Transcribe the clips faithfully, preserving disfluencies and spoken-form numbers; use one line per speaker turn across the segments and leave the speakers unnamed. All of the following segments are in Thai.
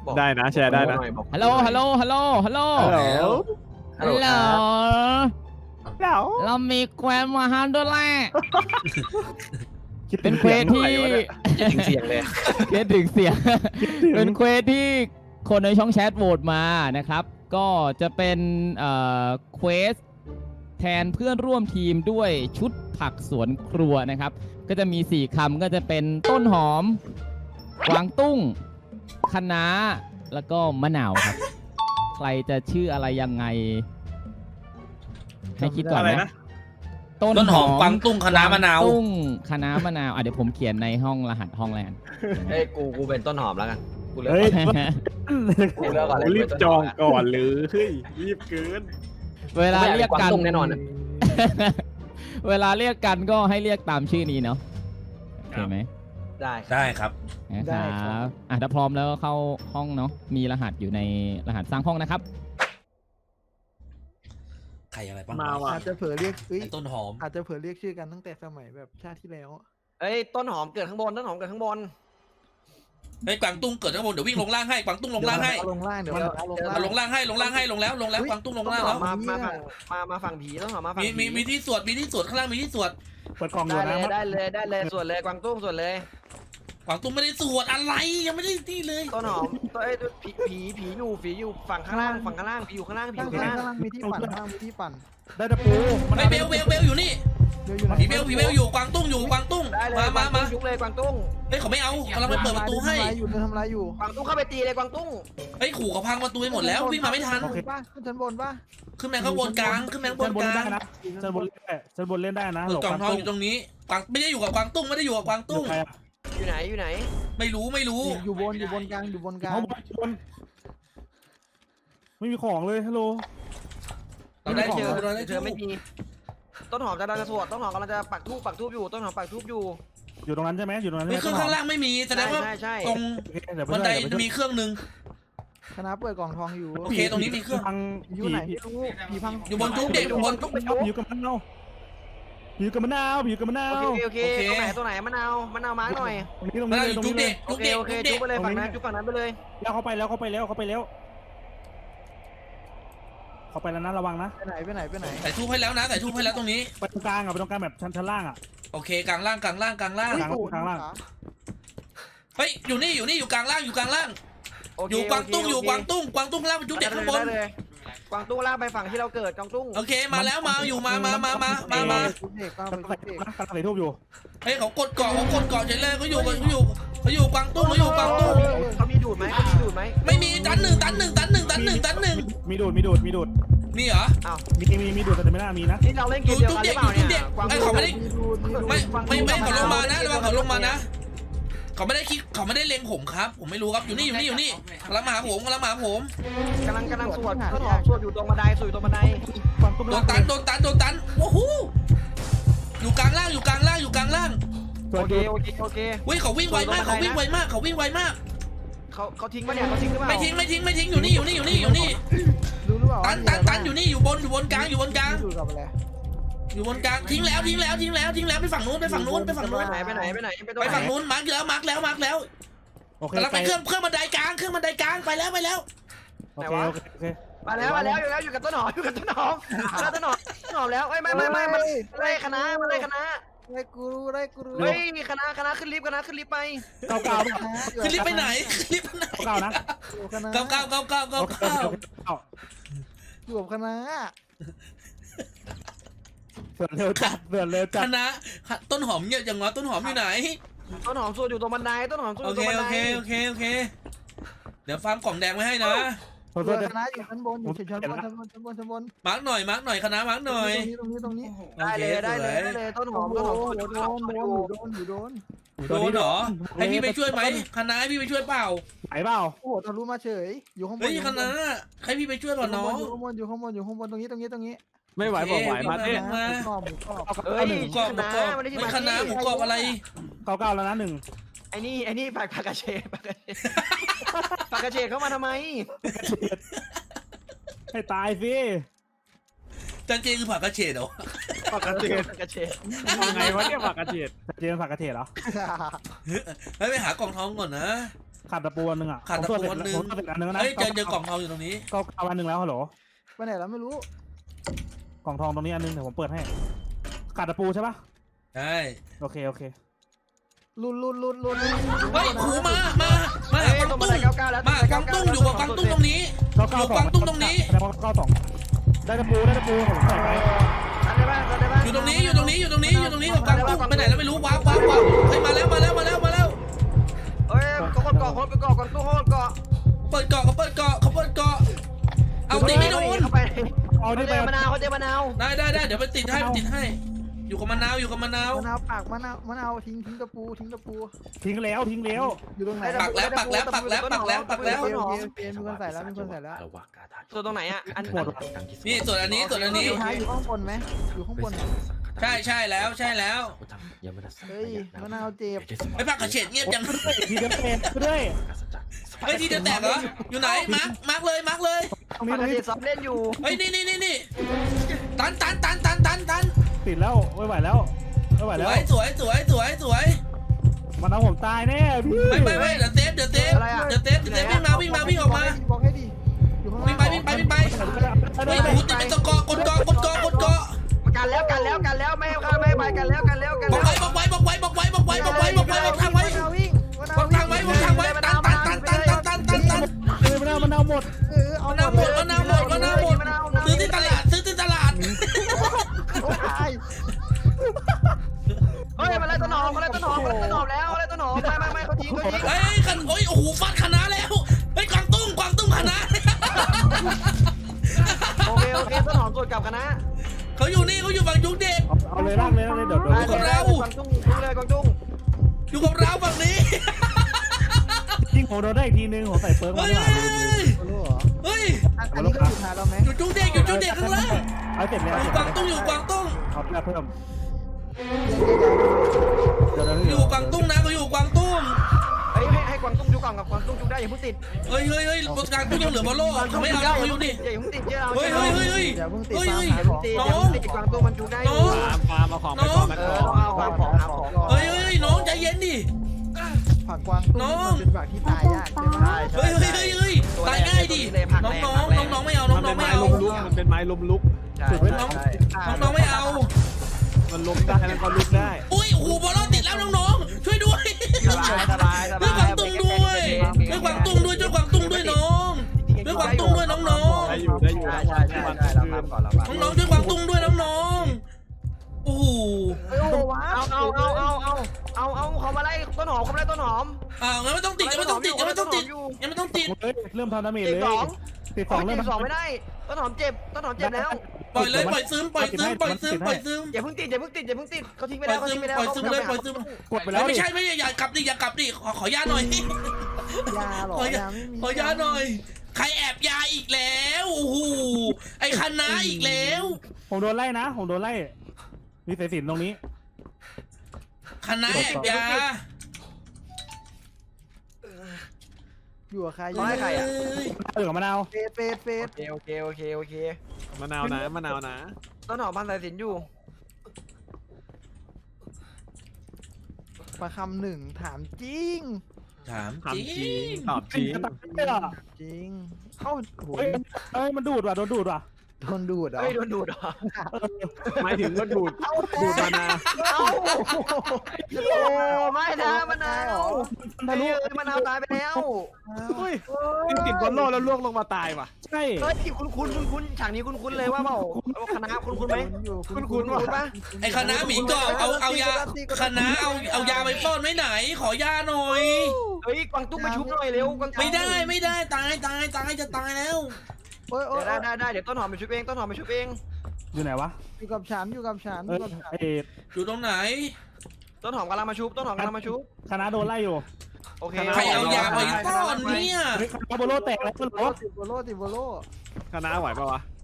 ได้นะแชร์ได้นะ
ฮัลโหลฮัลโหลฮัลโหลฮัลโหล
ฮัลโหล
ฮัลโหล
เดี๋ยว
เรามีแควนมาฮันด้วยแหละเป็นเควสที่
ถึงเสียงเลย
เควสถึงเสียงเป็นเควสที่คนในช่องแชทโหวตมานะครับก็จะเป็นเอ่อเควสแทนเพื่อนร่วมทีมด้วยชุดผักสวนครัวนะครับก็จะมีสี่คำก็จะเป็นต้นหอมกวางตุ้งคะน้าแล้วก็มะนาวครับใครจะชื่ออะไรยังไงให้คิดก่อน
อะไร
นะ
นะ
ต้นหอมกวางตุ้งคะน้ามะนาว
ตุ้งคะน้ามะนาวอ่ะเดี๋ยวผมเขียนในห้องรหัสห้องแลน
เฮ้ยกูกูเป็นต้นหอมแล้วกันกูเลือก
เฮ้ย
กูเลือกก่อนเลย
รีบจองก่อนหรือเฮ้ยรีบเกิน
เวลาเรียกกัน
กวางตุ้งแน่นอนนะ
เวลาเรียกกันก็ให้เรียกตามชื่อนี้เนาะโอเคไหม
ได้
ได้ครับ
นะครับอ่ะถ้าพร้อมแล้วก็เข้าห้องเนาะมีรหัสอยู่ในรหัสสร้างห้องนะครับ
ใครอะไรบ้าง
มาว่ะ
อาจจะเผลอเรียกเอ้ย
ไอ้ต้นหอม
อาจจะเผลอเรียกชื่อกันตั้งแต่สมัยแบบชาติที่แล้ว
เอ้ยต้นหอมเกิดข้างบนต้นหอมเกิดข้างบน
ไอ้ยกวางตุ้งเกิดข้างบนเดี๋ยววิ่งลงล่างให้กวางตุ้งลงล่างให้
เดี๋ยวลงล่างเดี๋ยว
เดี๋ยว
เอาลง
เดี๋ยว
ล่าง
ลงล่างให้ลงล่างให้ลงแล้วลงแล้วกวางตุ้งลงล่างแล้ว
มามาฝั่งมามาฝั่งผีต้นหอมมาฝั่ง
มี
ผี
มีมีที่สวดมีที่สวดข้างล่างมีที่สวด
เปิดกล่องอยู่
ได้
นะ
เลยได้เลยได้เลยส่วนเลยกวางตุ้งส่วนเลย
กวางตุ้งไม่ได้สวดอะไรยังไม่ได้ที่เลย
ต้นหอมตัวเอ้ยผีผีผีอยู่ผีอยู่ฝั่งข้างล่างฝั่งข้างล่างผีอยู่ข้างล่างผีอ
ข้าง
ยู่ข้าง
ข้าง
ล่าง
ล่างมีที่ปั่นข้างล่างมีที่ปั่น
ได้ตะปู
ไอ้เบลเบลเบลอยู่นี่
เดี๋ยวอยู่ไหน
ผีเบลผีเบลอยู่กวางตุ้งอยู่กวางตุ้ง
ได้เลย
มาก
วา
มาง มา
ตุ้งยุกเลยกวางตุ้ง
เฮ้ยเขาไม่เอากำลังไปเปิดประตูให้
ทำลายอยู่เดินทำลายอยู่
กวางตุ้งเข้าไปตีเลยกวางตุ้ง
เฮ้ยขู่เขาพังประตูไปหมดแล้ววิ่งมาไม่ทัน
ขึ้นป่ะขึ้นชั้นบนป่ะ
ขึ้นแมงข้างบนกลางขึ้นแมงบ
ชั้
น
นบ
ก
น
ลา
ได้
ง
นะชั้นบนเล่นได้ชั้นบนเล่นได้นะ
เออกล่องทองอยู่ตรงนี้กวางไม่ได้อยู่กับกวางตุ้งไม่ได้อยู่กับกวางตุ้ง
ใครอะ
อยู่ไหนอยู่ไหน
ไม่รู้ไม่รู้
อยู่บนอยู่บนกลางอยู่บนกลาง
เขาบนไม่มีของเลยฮัลโหล
เราได้
เจ
เจ
อ
อเราได้
เจ
เจ
อ
อ
ไม่มีต้นหอมจะดันสวดต้นหอมกำลังจะปักทูบปักทูบอยู่ต้นหอมปักทูบอยู่
อยู่ตรงนั้นใช่ไหมอยู่ตรงนั้น
ไม่
ใช่ไหม
เครื่องข้างล่างไม่มีแสดงว่า
ใช่ใช่
ตรง
โอเคเดี๋ยวไป
บัน
ช่วย
ได
เดี๋ยวไปช่วย
มีเครื่องหนึ่ง
คณะเปิดกล่องทองอยู่
โอเคตรงนี้มีเครื่อง
พัง
อยู่ไหนไม่รู้ผีพัง
อยู่บนจุ๊บเด็กอยู่บน
ทุบไป
ผี
ทุบ
อยู่กับมะนาวผีอยู่กับมะนาวผีอยู่กับมะนาว
โอเคโอเคโอเคตัวไหนตัวไหนมะนาวมะนาวมาร์กหน่อย
ตรงนี้ตรง
แล้
นี้
ว
เลย
อยู่
ตรง
จุ๊บ
นี้เล
เด็
ย
ก
โอ
จุ๊บ
เค
เด็ก
โอเค
จุ๊บเด็ก
จุบไปเลยฝั่งนั้นจุบฝั่งนั้นไปเลย
แล้วเข้าไปแล้วเข้าไปแล้วเข้าไปแล้ว เข้าไปแล้วนะระวังนะ
ไปไหนไปไหนไปไหน
ใส่ทูบให้แล้วนะใส่ทูบให้แล้วตรงนี้
ไปตรงกลางอ่ะไปตรงกลางแบบชั้นชั้นล่างอ่ะ
โอเคกลางล่างกลางล่างกลางล่าง
กลาง ข้างล่าง
เฮ้ยอยู่นี่อยู่นี่อยู่กลางล่างอยู่กลางล่าง
โเค
อยู่กวางตุ้ง
โเค
อยู่กวางตุ้งกวางตุ้งล่างเป็นจุ๊บเด็กข้างบน
ได้เลยกวางตุ้งลากไปฝั่งที่เราเกิดกวางตุ้ง
โอเคมาแล้วมาอยู่มามามามามามา
ชุดเด็กก็
กำ
ไป
ลัง
ชุดเด็ก
กำลังใส่ทูบอยู่
เฮ้ยเขากดเกาะเขากดเกาะเฉยเลยเขาอยู่เขาอยู่เขาอยู่กวางตุ้งเขาอยู่กวางตุ้ง
เขามีดูดไหมเขามีดูดไหม
ไม่มีตันหนึ่งตันหนึ่งตันหนึ่งตันหนึ่งตันหนึ่ง
มีดูดมีดูดมีดูด
มีเหรอ
มีมีมีดูดแต่ไม่น่ามีนะ
นี่เราเล่นเกมเดียวกันหรือเปล่าเนี่ยกวาง
ไอ้
ตุ้
เขา
ง
ไม่ได้
มีดูมีดู
ไม่ไม่ไม่เขาลงมานะระวังเขาลงมานะเขาไม่ได้คิดเขาไม่ได้เล็งผมครับ ผมไม่รู้ครับอยู่นี่อยู่นี่อยู่นี่กำลังมาหาผมกำลังมาหาผม
กำลังกำลังสวดต้นหอมสวดอยู่ตรงบันไดสวดอยู่ตรงบันได
ความตุ้ม
โดนตันโดนตันโดนตันโอ้โหอยู่กลางล่างอยู่กลางล่างอยู่กลางล่าง
ตัว
โอเค
ดู
โอเคโอเค
เฮ้ยเขาวิ่งไวมากเขาวิ่งไวมากเขาวิ่งไวมาก
เขาเขาทิ้งปะเนี่ยเขาทิ้งหรือเปล่า
ไม่ทิ้งไม่ทิ้งไม่ทิ้งอยู่นี่อยู่นี่อยู่นี่อยู่นี่
รู้หรือเปล่า
ตันตันตันอยู่นี่อยู่บนอยู่บนกลางอยู่บนกลาง
ดูกับอะไร
อยู่บนกลางทิ้งแล้วทิ้งแล้วทิ้งแล้วทิ้งแล้วไปฝั่งนู้นไปฝั่งนู้นไปฝั่งนู้
ไป
น
ไหนไปไหนไปไหนไปตรง
ไป
ไหน
ฝั่งนู้นมาร์กแล้วมาร์กแล้วมาร์กแล้ว
โอเค
กำลัง
ไป
ไปเครื่องเครื่องบันไดกลางเครื่องบันไดกลางไปแล้วไปแล้ว
โอเคโอเคโอเค
มาแล้วมาแล้วอยู่แล้วอยู่กับต้นหอมอยู่กับต้นหอมแล้วต้นหอมต้นหอมแล้วเอ้ยไม่ไม่ไม่มันไล่คณะมันไล่คณะ
ได้กูรู้ได้กูรู้
เฮ้ยคณะคณะขึ้นลิฟต์คณะขึ้นลิฟต์ไป
เก้าเก้า
ขึ้นลิฟต์ไปไหนขึ้นลิฟต์ไปไหน
เก้านะ
อยู่คณะ
เก้าเก้าเก้าเก้าเก้า
โอเค
เก้า
โอเคเก้า
อยู่กับคณะ
เสือเร็วจัดเสือเร็วจั
ค
ด
ณะต้นหอมเงียบอย่างวะต้นหอมอยู่ไหน
ต้นหอมสวดอยู่ตรงบันไดต้นหอมสวดอ
โอยู่
ต
เค
รงบัน
โอ
ได
เคโอเคโอเคเดี๋ยวฟาร์มกล่องแดงไว้ให้นะ
ขอโท
ตัว
ษนะ
คณะอยู่ชั้นบนอยู่ชั้นบนชั้นบนชั้นบนชั้นบน
มาร์กหน่อยมาร์กหน่อยคณะมาร์กหน่อย
ตรงนี้ตรงนี้
ได้เลยได้เลยได้เลยต้นหอมต้นหอมสวด
โด
อยู่
น
ต้นหอมสวด
โด
อน ยู่
โดนอยู่โดน
โดนเหรอให้พี่ไปช่วยไหมคณะให้พี่ไปช่วยเปล่า
ไหนเปล่า
โอ้โหทะลุมาเฉยอยู่ข้างบน
เฮ้ยคณะให้พี่ไปช่วยเปล่าน้อง
อยู่ข้างบนอยู่ข้างบนอยู่ข้างบนตรงนี้ตรงนี้ตรงนี้
ไม่ไหวบอกไหวมาดิ
หมูกรอบหมูกรอบ
เฮ้ย
หมูกรอบหมูกรอบไม่คณะหมูกรอบอะไร
เก้าเก้าแล้วนะหนึ่ง
ไอ้นี่ไอ้นี่ปากปากกระเชดปากกระเชดปากกระเชดเข้ามาทำไม
ให้ตายสิ
จันเจคือผักกระเฉดเหรอ
ผักกระเทียม
ปากกระเชด
ยังไงวะเนี่ยผักกระเทียมเจนผักกระเทียมเหรอ
ให้ไปหากล่องทองก่อนนะ
ขาดตะปูอันหนึงอ่ะ
ขาดตะปูอันหนึ่ง
ผมเสร็จอันหนึงแล้วนะ
เฮ้ยเจอเจอกล่องทองอยู่ตรงนี้
ก็เอาอันหนึงแล้วฮัลโหล
ไปไหนแล้วไม่รู้
กล่องทองตรงนี้อันหนึงเดี๋ยวผมเปิดให้ขาดตะปูใช่ปะ
ใช่
โอเคโอเค
ลุนลุนลุนลุน
เฮ้ยหูมามามาหากวาง
ต้องมา
ตุ้ง
ใส่เก้าเก้าแล้ว
มาหากวางตุ้งอยู่กับกวางตุ้งตรงนี้
เก้าเก้า
อยู่
สอง
กวางตุ้งตรงนี้
แสดงว่าเก้าสองได้ตะปูได้ตะปูผมใส่ไป
ทันได้บ้างทันได้บ้าง
อยู่ตรงนี้อยู่ตรงนี้อยู่ตรงนี้อยู่ตรงนี้กับกวางตุ้งไปไหนแล้วไม่รู้ว้าวว้าวว้าวเฮ้ยมาแล้วมาแล้วมาแล้วมาแล้ว
เฮ้ยก็คนเกาะคนไปเกาะคนตู้โคตรเกาะ
เปิดเกาะเขาเปิดเกาะเขาเปิดเกาะเอาตีไม่โดน
เข้าไป
เอา
เขา
ได้
เจ
ไป
อมะนาวเขาเจอมะนาว
ได้ได้ได้เดี๋ยวไปติดให้ไปติดให้ อยู่กับมะนาวอยู่กับมะนาว
มะนาวปากมะนาวมะนาวทิ้งทิ้งตะปูทิ้งตะปู
ทิ้งแล้วทิ้งแล้ว
อยู่ตรงไหน
ปักแล้วปักแล้วปักแล้วปักแล้วปักแล้ว
โอเคโอเคโอเคมีคนใส่แล้วมีคนใส่แล้ว
ตัวตรงไหนอ่ะอัน
หมด
นี่ส่วนอันนี้ส่วนอันนี้
อยู่ท้ายอยู่ข้างบนไหมอยู่ข้างบน
ใช่ใช่แล้วใช่แล้ว
เฮ้ยมะนาวเจ็บ
ไอ้ผักกระเฉดเงียบจัง
ทีเดียวเองก็ได้
เฮ้ยทีเดียวแตกเหรออยู่ไหนมาร์คมาร์คเลยมาร์คเลย
ตรง
ป
นี้
ก
ตรง
ติ
นี้
ซ้อมเล่นอยู่
เฮ้ยนี่นี่นี่นี่ตันตันตันตันตันตัน
ติดแล้วไม่ไหวแล้วไม่ไหว
ส
แล้ว
วยสวยสวยสวยสวย
มันเอาผมตายแน่พี่
ไม่ไม่ไม่เดี๋ยวเซฟเดี๋ยวเซฟเดี๋ยวเซฟเดี๋ยวเซฟวิ่งมาวิ่งมาวิ่งออกมา
บอกให้ดิอยู่ข้าง
วิ่งไป
ล่าง
วิ่งไปวิ่งไปเฮ้ยหูติดเป็นตะกอกดเกาะกดเกาะกดเกาะ
กันแล้วกันแล้วกันแล้วไม่ให้ข้าไม่ให้ไปกันแล้วกันแล้วกัน
บอก
แล้ว
ไว้บอกไว้บอกไว้บอกไว้บอกไว้บอกไว้บอกไว้บอกทางไว้
มะนาววิ่งมะนาว
บอกทางไว้บอกทางไว้ตันตันตันตันตันตันตันตัน
เออมันเอามันเอาหมด
เออเอา
มะนาวหมดมะนาวหมดมะนาวหมดซื้อที่ตลาดซื้อที่ตลาด
โอ้ย
เฮ้ยมาเลยต้นหอมมาเลยต้นหอมมาเลยต้นหอมแล้วมาเลยต้นหอมไม่ไม่ไม่เขาทิ้งเขาทิ้ง
เฮ้ยขันโอ้ยโอ้โหฟาดคณะแล้วเฮ้ยกวางตุ้งกวางตุ้งคณะ
โอเคโอเคต้นหอมตรวจกลับกันนะ
เขาอยู่นี่เขาอยู่ฝั่งยุคเด็ก
เอาเอาเลยลากเลยลากเลยเดี๋ยวเดี๋ยว
ไปคนแล้วกวางตุ้งตุ้งเลยกวางตุ้ง
อยู่กับเราฝั่งนี้
ยิงผมโดนได้อีกทีนึงผมใส่เปิร์กมา
เฮ้ย
ข้างหลังลืมลืม
โอ้โหเหรอ
เฮ้ย
อันอันนี้ก็สุดท้ายแล้วไหม
อยู่ยุคเด็กอยู่ยุคเด็กข้างล่าง
เอาเสร็จแล้ว
อยู่กวางตุ้งอยู่กวางตุ้ง
เอาเพิ่มเพิ่ม
เดี๋ยวเดี๋ยว
เดี๋ยวเดี๋ยว
อยู่กวางตุ้งนะเขาอยู่กวางตุ้ง
เฮ้ยให้ให้กวางตุ้งจุกก่อนกับกวางตุ้งจุกได้อย่าเพิ่งติด
เฮ้ยเฮ้ยเฮ้ยบนกลางตุ้งยังเหลือบอลโลกเขาไม่เอาแล้วเขาอยู่นี่
อย่าเพิ่งติดเจ้า
เฮ้ยเฮ้ยเฮ้ยเฮ้ย
เดี๋ยวเพิ่งติด
เฮ้ย
ตาม
เฮ้ย
หาของ
ติด
น้
อย่า
อง
เพิ่งติดกวางตุ้งมันจุกได้อยู่
น้อง
ปาล์มเอาของไปก่อนนะ
เอ
ก่
อ
อน
ต้องเอาของหาของก่อน
เฮ้ยเฮ้ยน้องใจเย็นดิ
ผักกวางตุ้ง
น้อง
มันเป็นผักที่ตายยากใช่ไหม
เฮ้ยเฮ้ยเฮ้ยเฮ้ยตายง่ายดิน้องน้องน้องน้องไม่เอาน้อง
มัน
น้
เป็
อง
น
ไม่
ไม้
เอา
ลมลุกมันเป็นไม้ลมลุก
ใช่
น้อง
ใช่
น้องน้องไม่เอา
มันล้มได้แล้วก็ลุกได้
อุ้ยโอ้โหบอลโลกติดแล้วน้องๆช่วยด้วย
สบายสบายส
ด้วยก
บา
วาย งตุ้งด้วยด้วยกวางตุ้งด้วยด้วยกวางตุ้งด้วยน้องด้วยกวางตุ้งด้วยน้องน้อง
ได้อยู่ได้อยู่
ใช่ใช่ใช่ใช่เราทำก่อนเราทำ
น้องๆด้วยกวางตุ้งด้วยน้องๆโอ้โห
เฮ้ยโอ้ว้า
เอาเอาเอาเอาเอาเอาเอาเขามาไล่ต้นหอมเขามาไล่ต้นหอม
อ่างั้นไม่ต้องติดยังไม่ต้องติดยังไม่ต้องติดยังไม่ต้องติด
เฮ้ยเริ่มทำดาเมจ
ติด
เลย
สอง
ติดส
ส
อ
อง ง
เริ่ม
ติดสองไม่ได้ต้นหอมเจ็บต้นหอมเจ็บแล้ว
ปล่อยเลยปล่อยซึมปล่อยซึมปล่อยซึมปล่อยซึม
อย่าเพิ่งติดอย่าเพิ่งติดอย่าเพิ่งติดเขาทิ้งไป
ปล่
แล้
อ
วย เขา
ซึม
ทิ้งไปแล้ว
ปล่อยซึมเลยปล่อยซึม
กดไปแล้ว
ไม่ใช่ไม่ใช่อย่ากลับดิอย่ากลับดิขอขอยาหน่อย
ยาหรอยาไม่มี
ขอยาหน่อย ใครแอบยาอีกแล้วโอ้โหไอ้คณะอีกแล้ว
ผมโดนไล่นะผมโดนไล่มีสายสิญจนตรงนี้
คณะแอบยา
อยู่กับใครอ
ร้
ยู่
อย
กับ
ใครอ่ะ
อยู่กับมะนาว
เฟสเฟสเฟส
โอเคโอเคโอเคโอเค
มะนาวนะมะนาวนะ
ต้นหอมพันสายสินอยู่
ประคำหนึ่งถามจริง
ถาม
ถาม
จ
จ
ริ
ริง
ง
ตอบจริง
จะตายเลยอ่ะ
จริงเข้าโห
เฮ้ยเฮ้ยมันดูดว่ะโดนดูดว่ะ
โดนดูดเหรอ
เฮ้ยโดนดูดเหรอ
หมายถึงก็ดูดดูดมะนาว
เอ้าโอ้ไม่นะมะนาว
ทะลุ
เฮ้ยมะนาวตายไปแล้ว
เฮ้ยติดติดบอลโลกแล้วล่วงลงมาตายว่ะ
ใช่
เฮ้ยคุณคุณคุณคุณฉากนี้คุณคุณเลยว่าเปล่าคณะคุณคุณไหม
อยู่
คุณคุณคุณปะ
ไอ้คณะหมีกรอบเอาเอายาคณะเอาเอายาไปป้อนไว้ไหน ขอยาหน่อย
เฮ้ยกวางตุ้งมาชุบหน่อยเร็วกวางตุ้ง
ไม่ได้ไม่ได้ตายตายตายจะตายแล้ว
โอ้ยโอ้
เดี๋
ย
ยวได้ได้ได้เดี๋ยวต้นหอมไปชุบเองต้นหอมไปชุบเอง
อยู่ไหนวะ
อยู่กับฉันอยู่กับฉันอ
เอยู่ อ
กับฉัน
ไอ้
อยู่ตรงไหน
ต้นหอมกำลังมาชุบต้นหอมกำลังมาชุบ
คณะโดนไล่อยู่
โอเค
ใครเอายาไปป้อนเนี่ย
เฮ้ยคณะโบโลแตกแล้วก็
ติ
รถ
ดโบโลติดโบโล
คณะไหวปะวะ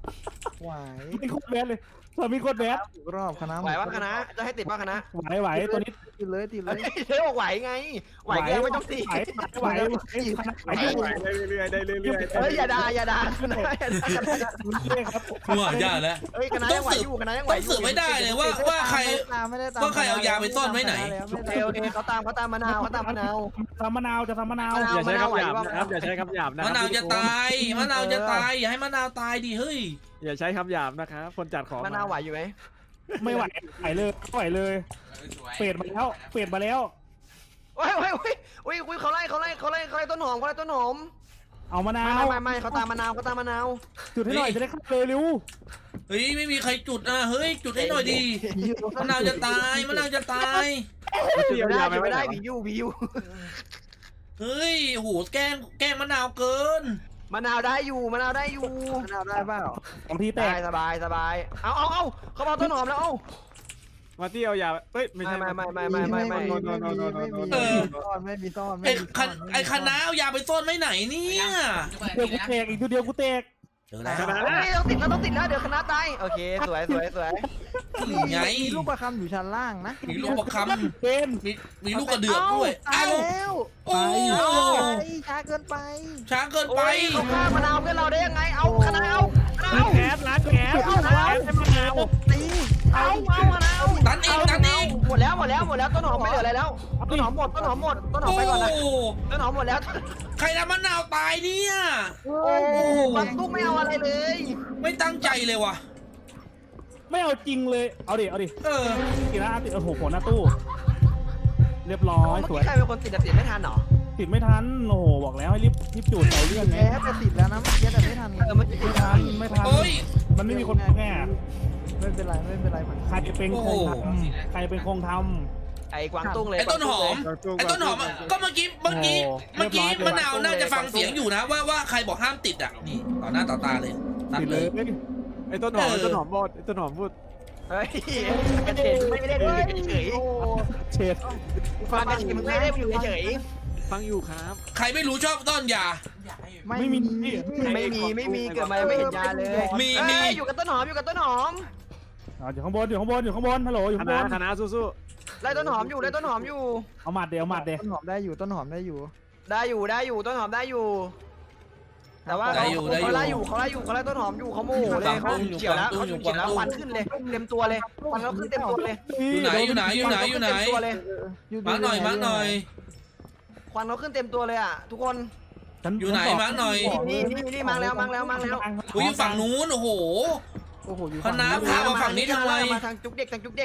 ไหว
มีโคตรแบดเลยตอนมีโคตรแบด
ถูกรอบคณะ
ไหวว่าคณะจะให้ติดว่าคณะ
ไหวไหวตัวนี้
ติดเลยติดเลย
เฮ้ยบอกไหวไงไหวก็ยังไม่ต้องติด
ไหวไหวไหวไหว
ไหวได้เรื่อยๆได้เรื่อยๆ
เฮ้ยอย่าด่าอย่าด่าคณะอย่าด่า
เรื่อยครับ
กูหายาแล้ว
เฮ้ยคณะยังไหวอยู่คณะยังไหว
ต้อง
อยู่
สืบไม่ได้เลยว่าว่าใคร
ไม่ได้ตาม
ว่าใครเอายาไปซ่อนไว้ไหน
โอเคโอเคเขาตามเขาตามมะนาวเขาตามมะนาว
ทำมะนาวจะทำมะนาว
มะนาว
อย่าใช้คำหยาบนะครับอย่าใช้คำหยาบนะ
มะนาวจะตายมะนาวจะตายอย่าให้มะนาวตายดิเฮ้ย
อย่าใช้คำหยาบนะครับคนจัดของ
มะนาวไหวอยู่ไหม
ไม่ไหวไหวเลยไหวเลยเปลี่ยนมาแล้วเปลี่ยนมาแล้ว
โอ้ยโอ้ยโอ้ยโอ้ยคุยเขาไล่เขาไล่เขาไล่เขาไล่ต้นหอมเขาไล่ต้นหอม
เอามะนา
ไม่
ว
ไม่ไม่เขาตามมะนาวเขาตามมะนาว
จุดให้หน่อยจะได้เข้าเลยเร็ว
เฮ้ยไม่มีใครจุดอ่ะเฮ้ยจุดให้หน่อยดิมะนาวจะตายมะนาวจะตาย
อยู่ไม่ได้
ยา
อยู่
ไม่
ไม่
ได้
ได้ผีอยู่ผีอยู่
เฮ้ยโหแกล้งแกล้งมะนาวเกิน
มะนาวได้อยู่มะนาวได้อยู่
คณะได้เปล่า
ของทีแต
ได้
ก
สบายสบายเอาเอาเอาเขาบอกต้นหอมแล้วเอา
มาที่เอายาเฮ้ยไม่ใช่
ไม่ไม่ไม่ไม่ไม่ไม่
ไม่มีไม่มีไม่มีซ่อนไม่มีซ่อน
ไอ้คันไอ้คณะเอายาไปซ่อนไว้ไหนเนี่ย
เดียวกูแตกอีกตัวเดียวกูแตก
เจอแล้ว
เฮ้ยต้องติดแล้วต้องติดแล้วเดี๋ยวคณะตายโอเคสวยสวยสวย
นี่ไง
มีลูกประคำอยู่ชั้นล่างนะ
มีลูกประค
เป็น
ำมีมีลูกกระเดือกด้วย
ตาย
เอ้า
แล้ว
โอ้
ไปช้าเกินไป
ช้าเกินไป
โอ้ยเขาฆ่ามะนาวเพื่อนเราได้ยังไงเอาคณะเอาคณะ
ล้าง
เอา
แขนล้างแขน
เอาเอาเอาตีเอาเอาคณะเอา
ตันอีกตันอีก
หมดแล้วหมดแล้วหมดแล้วต้นหอมไม่เหลืออะไรแล้วต้นหอมหมดต้นหอมหมดต้นหอม
โอ้
ไปก่อนนะต้นหอมหมดแล้ว
ใครทำมะนาวตายเนี่ย
โอ้มันตุ้มไม่เอาอะไรเลย
ไม่ตั้งใจเลยว่ะ
ไม่เอาจริงเลยเอาดิเอาดิ
เออ
กี่นะติดโอ้โหหัวหน้าตู้ เรียบร้อยสวย
ใครเป็นคนติดติดไม่ทันหรอ
ติดไม่ทันโอ้โหบอกแล้วให้รีบรีบจูดเอาเรื่องไง
แพ้แต่ติดแล้วนะเมื่อกี้แต่ไม่ทันไง
เออไม่ติด
ไม่ทันไม่ทัน
โอ้ย
มันไม่มีคนแก้
ไม่เป็นไรไม่เป็นไรมัน
ใครเป็นคงทำใครเป็นคงท
ไอ้กวางตุ้งเลย
ไอ้ต้นหอม ไอ้ต้นหอมอะก็เมื่อกี้ เมื่อกี้ เมื่อกี้มะนาวน่าจะฟังเสียงอยู่นะว่าว่าใครบอกห้ามติดอ่ะ นี่ต่อหน้าต่อตาเลย
ำ
ตัด
ติด
เล
เลย ย
ไอ้ต้นหอมไอ้ต้นหอมพูดไอ้ต้นหอมพูด
เฮ้ยเฉยไม่ได้ดูเฉย
เฉด
ฟังกันเฉยไม่ได้อยู่เฉย
ฟังอยู่ครับ
ใครไม่รู้ชอบต้นยา
ไม่มี
ไม่มีไม่มีเกิดมาไม่เห็นยาเลยอยู่กับต้นหอมอยู่กับต้นหอม
อยู่ข้างบนอยู่ข้างบนอยู่ข้างบนฮัลโหลอยู่
ค
ข้างบ
ณะ
น
คณะสู้
ไล่ต้นหอมอยู่ไล่ต้นหอมอยู่
เอาหมัดเดี๋ยวเอาหมัดเดี๋ยว
ต้นหอมได้อยู่ต้นหอมได้อยู่
ได้อยู่ได้อยู่ต้นหอมได้อยู่ แต่ว่าเขาเขาไล่อยู่เขาไล่อยู่เขาไล่ต้นหอมอยู่เขาโมโหเลยเขาเฉียวแล้วเขาเฉียวแล้วควันขึ้นเลยเต็มตัวเลยควันเขาขึ้นเต็มตัวเลย
อยู่ไหนอยู่ไหนอยู่ไหนอยู่ไหน มาหน่อยมาหน่อย
ควันเขาขึ้นเต็มตัวเลยอ่ะทุกคน
อยู่ไหนมาหน่อย
นี่นี่นี่มาแล้วมาแล้วมาแล้ว
กูอยู่ฝั่งนู้นโอ้โห
โอ้โหอยู่
คณะพามาฝั่งนี้ทำไม
มาทางจุกเด็กทางจุกเด็ก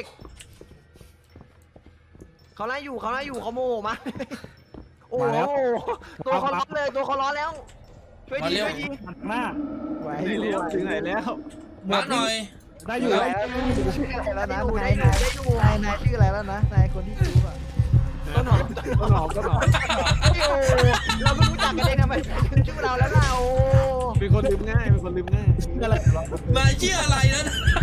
เขาไล่อยู่เขาไล่อยู่เขาโมโหมาโอ้โหตัวเขาร้อนเลยตัวเขาร้อนแล้วช่วยดีช่วยดี
หน้า
ไหว
ๆไหนแล้วถึงไหนแล้ว
มาหน่อย
ได้อยู่
ชื่ออะไรแล้วนะ
ได้อยู่
นาย
ได้อยู่
นายนายชื่ออะไรแล้วนะนายคนที่จูบอ่ะ
ต้นหอม
ต้นหอมต้นหอม
เราไม่รู้จักกันเองทำไมชื่อเราแล้วเรา
เป็นคนลืมง่ายเป็นคนลืมง่าย
อะไร
นายชื่ออะไรนะ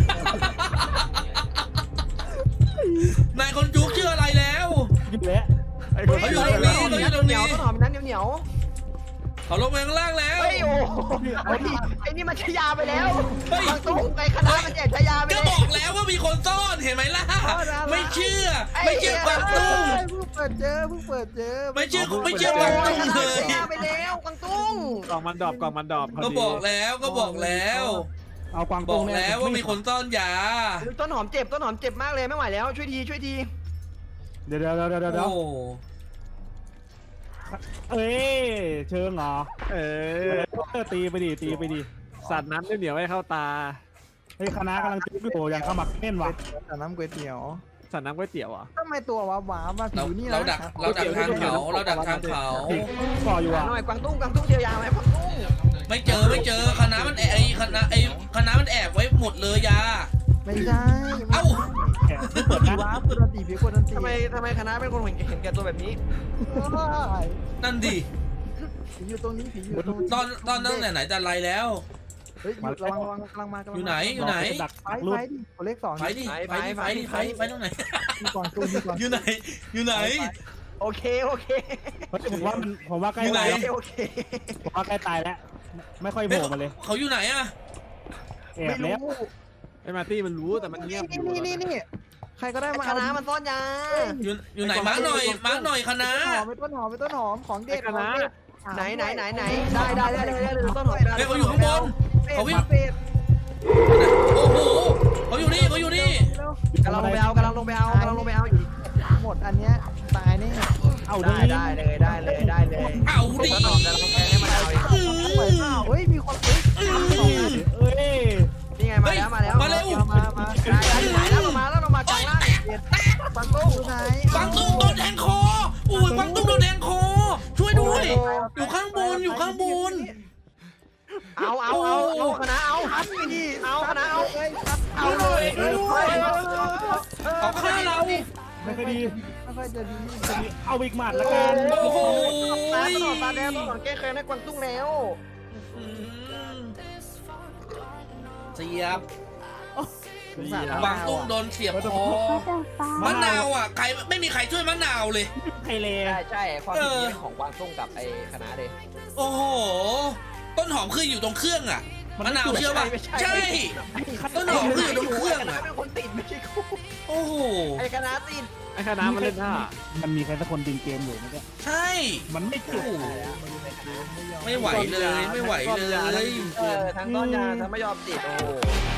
นายคนจุกชื่ออะไรแล้ว
ยิ้มแล้ว
ไอ้คน
เขาอยู่ตรงนี้เขาอยู่ตรงนี้
ต้นหอมนั้นเหนียว
เขาลงไปข้างล่างแล้ว
เฮ้ยโอ้ไอ้นี่มันชยาไปแล้วบางตุ้งไอ้คณะมันแจกชยาไป
ก็
เลย
บอกแล้วว่ามีคนซ่อนเห็นไหมล่ะ ไม่เชื่อ ไม่เชื่อกวางตุ้ง
เพิ่งเปิดเจอเพิ่งเปิดเจอ
ไม่เชื่อไม่เชื่อกวาง
โอ้ย
ตุ้ง
คณะ
เลย
ชยาไปแล้วบางตุ้ง
กล่องมันดรอปกล่องมันดรอป
ก็บอกแล้วก็บอกแล้ว
เอากวาง
บ
ตุ้
อง กแล้วว่ามีคนซ่อนยา
ต้นหอมเจ็บต้นหอมเจ็บมากเลยไม่ไหวแล้วช่วยทีช่วยที
เดี๋ยวเดี๋ยวเดี๋ยวเดี๋ยว
โอ้
เอ้ยเชิงเหรอ
เออ
ตีไปดิตีไปดิ
สัตว์น้ำเหนียวให้เข้าตา
เฮ้ยคณะกำลังจุ๊บอยู่อย่างขมักเม่นว่ะ
แต่น้ำก๋วยเตี๋ยว
สัตว์น้ำก๋วยเตี๋ยวอ่ะ
ทำไมตัวว้าวว้ามาผิ
เรา
วนี่
เราดักเราดักทางเขาเราดักทางเขา
ก่ออยู่อ่ะ
หน่อยกวางตุ้งกวางตุ้งเจียวยาไหมกวางตุ้ง
ไม่เจอไม่เจอคณะมันแอบไอ้คณะไอ้คณะมันแอบไว้หมดเลยยา
ไม่ใช่
เอ้า
แอบเปิด
ผี
นะ
ว้าเปิดตีผีคนนันตี
ทำไมทำไมคณะเป็นคนเห็นเห็นแก่ตัวแบบนี้
นั่นดิ
ผีอยู่ตรงนี้ผีอยู่ตรงนี้
ตอนตอนนั้นไหนไหนแต่ไรแล้ว
เฮ้ยระวังระวังกำลังมากำลัง
อยู่ไหนอยู่ไหน
ดัก
ไฟ
รู
ไฟ
ป
ดิคนเลขสอง
ไปดิไปดิไปดิไปไปตรงไหน
มีก่อนตู้มีก่อน
อยู่ไหนอยู่ไหน
โอเคโอเค
ผมว่ามันผมว่าใกล้
อยู่ไหน
ตาย
โอเคโอเค
ผมว่าใกล้ตายแล้วไม่ค่อยโผล่มาเลย
เขาอยู่ไหนอะ
แอบแล้ว
ไอ้มาร์ตี้มันรู้แต่มันเงียบอยู่
นี่นี่นี่ใครก็ได้มา
คณะมันซ่อนยา
อยู่อยู่ไหนมาร์กหน่อยมาร์กหน่อยคณะ
หอมไปต้นหอมไปต้นหอมของเด็ด
ไหนไหนไหนไหนได้ได้ได้เลยได้เลยต้นหอม
เฮ้ยเขาอยู่ข้างบนเขาวิ่ง
เป็ด
โอ้โหเขาอยู่นี่เขาอยู่นี่
กำลังลงไปเอากำลังลงไปเอากำลังลงไปเอาอยู่
หมดอันเนี้ยตายแน่
เอาดิ
ได้ได้เลยได้เลยได้เลย
เอาดิ
ต้นหอมจะลงไปให้มันเอาอีก
อืม
เฮ้ยมีคนเฮ้ย
เอ้ย
นี่ไงมาแล้วมาแล้ว
มาเร็ว
มามา
ได้ได้ไหนแล้วลงมาแล้วลงมากลางล่างปังตุ้ง
ไหน
ฟังตุ้งโดนแทงคออุ้ยฟังตุ้งโดนแทงคอช่วยด้วย อยู่ข้างบนอยู่ข้างบน
เอาเอาเอาเอาคณะเอาทัดนี่เอาคณะเอาเอาเลย
เขาฆ่าเรา
ไม่ค่อยดี
ไม่ค่อยจะดี
เอาอีกหมัดละกัน
โอ้โห
ตาตลอดตาแดงตลอดแก้แค้นให้กวางตุ้งแล้ว
อืมเสียบ
สาร
ฟังตุ้งโดนเสียบคอมะนาวอ่ะใครไม่มีใครช่วยมะนาวเลย
ไทยเล
ใช่ใช่ความผิดนี้เป็นของกวางตุ้งกับไอ้คณะเลย
โอ้โหต้นหอมคืออยู่ตรงเครื่องอ่ะมะนาวเชื่อป่ะใช่ต้นหอมคืออยู่ตรงเครื่อง
คณะ
อ่ะ
เป็นคนติดไม่ใช่กู
โอ้โห
ไอ้คณะติด
ไอ้คณะมันเล่นท่า
มันมีใครสักคนดึงเกมอยู่เมื่อกี้
ใช่
มันไม่จุก
ไม่ไหวเลยไม่ไหวเลย
เออทั้งต้นยาทั้งไม่ยอมติดโอ้